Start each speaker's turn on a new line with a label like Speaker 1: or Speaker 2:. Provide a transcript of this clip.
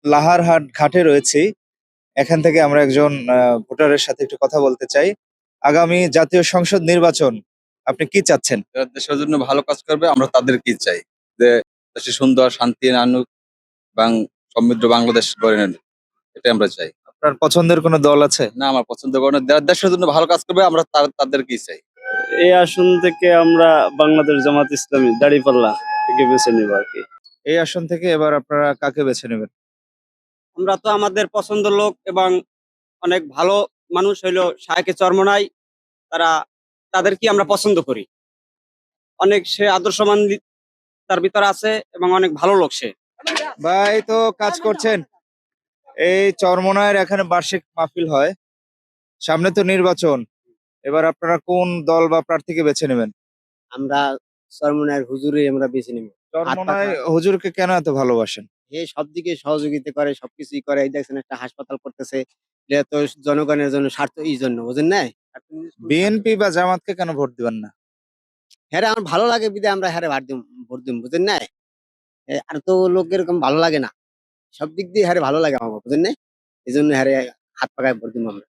Speaker 1: লাহারহাট ঘাটে রয়েছি। এখান থেকে আমরা একজন ভোটারের সাথে একটু কথা বলতে চাই। আগামী জাতীয় সংসদ নির্বাচন আপনি কি চাচ্ছেন?
Speaker 2: যারা দেশের জন্য ভালো কাজ করবে আমরা তাদেরকেই চাই। যে দেশে সুন্দর শান্তি আনুক এবং সমৃদ্ধ বাংলাদেশ গড়ে নেন। এটাই আমরা চাই।
Speaker 1: আপনার পছন্দের কোনো দল আছে?
Speaker 2: না আমার পছন্দ করে না। যারা দেশের জন্য ভালো কাজ করবে আমরা তাদেরকেই চাই।
Speaker 3: এই আসন থেকে আমরা বাংলাদেশ জামাত ইসলামী দাঁড়িপাল্লা থেকে বেছে নিব আর কি।
Speaker 1: এই আসন থেকে এবার আপনারা কাকে বেছে নেবেন?
Speaker 4: আমরা তো আমাদের পছন্দের লোক এবং অনেক ভালো মানুষ হইলো শাহেকে চরমোনাই, তারা তাদেরকে আমরা পছন্দ করি। অনেক সে আদর্শবান তার ভিতরে আছে এবং অনেক ভালো লোক সে।
Speaker 1: ভাই তো কাজ করছেন। এই চরমোনাইয়ের এখানে বার্ষিক মাহফিল হয়। সামনে তো নির্বাচন। এবার আপনারা কোন দল বা প্রার্থীকে বেছে নেবেন?
Speaker 5: আমরা চরমোনাইয়ের হুজুরে আমরা বেছে নিব।
Speaker 1: চরমোনাই হুজুরকে কেন এত ভালোবাসেন?
Speaker 5: এ সব দিকে সহযোগিতা করে, সবকিছুই করে। এই দেখছেন একটা হাসপাতাল করতেছে। এটা তো জনগণের জন্য স্বার্থ এই জন্য বুঝেন নাই?
Speaker 1: বিএনপি বা জামাতকে কেন ভোট দিবেন না?
Speaker 5: হ্যাঁ আমার ভালো লাগে বিধায় আমরা হ্যাঁ ভোট দিম বুঝেন নাই? আর তো লোক এরকম ভালো লাগে না। সব দিক দিয়ে হ্যাঁ ভালো লাগে আমার বুঝেন নাই? এই জন্য হ্যাঁ হাত পাকায় ভোট দিম আমরা।